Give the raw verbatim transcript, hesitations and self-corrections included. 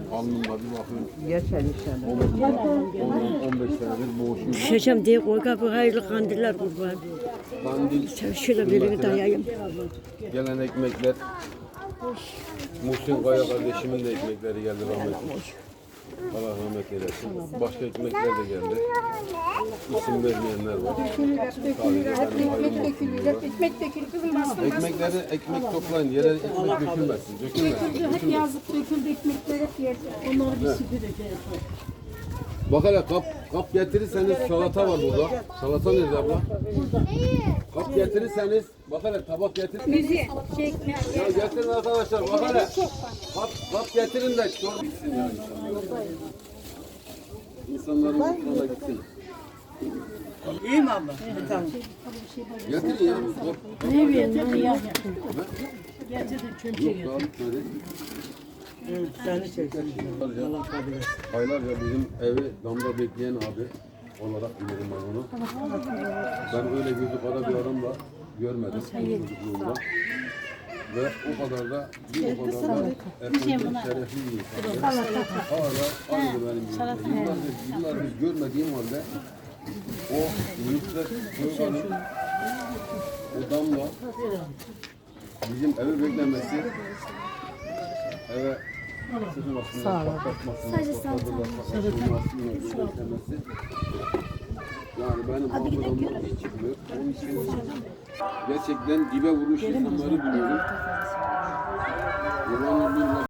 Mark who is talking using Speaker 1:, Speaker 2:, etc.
Speaker 1: Alnımda bir bakın.
Speaker 2: Geçer inşallah.
Speaker 1: on beş senedir boğuşuyorum.
Speaker 3: Düşeceğim diye koy kapı hayırlı kandiller kurban.
Speaker 1: Kandil,
Speaker 3: Sen şöyle birini dayayım.
Speaker 1: gelen ekmekler. Muhsin Kaya kardeşimin de ekmekleri geldi rahmetli. Allah rahmet eylesin. Başka ekmekler de geldi. İsim vermeyenler var.
Speaker 4: Ekmek dökülüyor, ekmek dökülüyor. Kızım bastım bastım.
Speaker 1: Ekmekleri ekmek toplayın. Yere ekmek dökülmesin. Dökülmesin.
Speaker 4: Hep yazlık döküldü ekmekler hep yerde. Onları bir süpüreceğiz.
Speaker 1: Bak hele kap, kap getirirseniz salata var burada. Salata nerede abla? Kap getirirseniz bak hele tabak getir.
Speaker 4: Müziği çekme.
Speaker 1: Ya getirin arkadaşlar bak hele. Kap, kap getirin de çor bitsin ya inşallah. İnsanların mutluğuna gitsin.
Speaker 2: İyi mi abla? Tamam.
Speaker 1: Getirin ya. Kap.
Speaker 4: Ne bileyim ya. Gerçekten çömçe
Speaker 1: Yok daha bitmedi.
Speaker 2: Evet, seni çeksin. Allah kabul etsin.
Speaker 1: Aylarca bizim evi damda bekleyen abi olarak bilirim ben onu. Ben öyle gözü kara bir adam da görmedim çocukluğumda. Ve o kadar da bir o kadar da efendim şerefli bir insan. Hala aynı benim gibi. Yıllardır, yıllardır görmediğim halde o Nusret Soykan'ın o damla bizim evi beklemesi eve sıkılmasından, patlatmasından, patlatılmasından, beklemesi yani benim hafızamdan hiç çıkmıyor. Onun için gerçekten dibe vurmuş insanları buluyorum. Yılan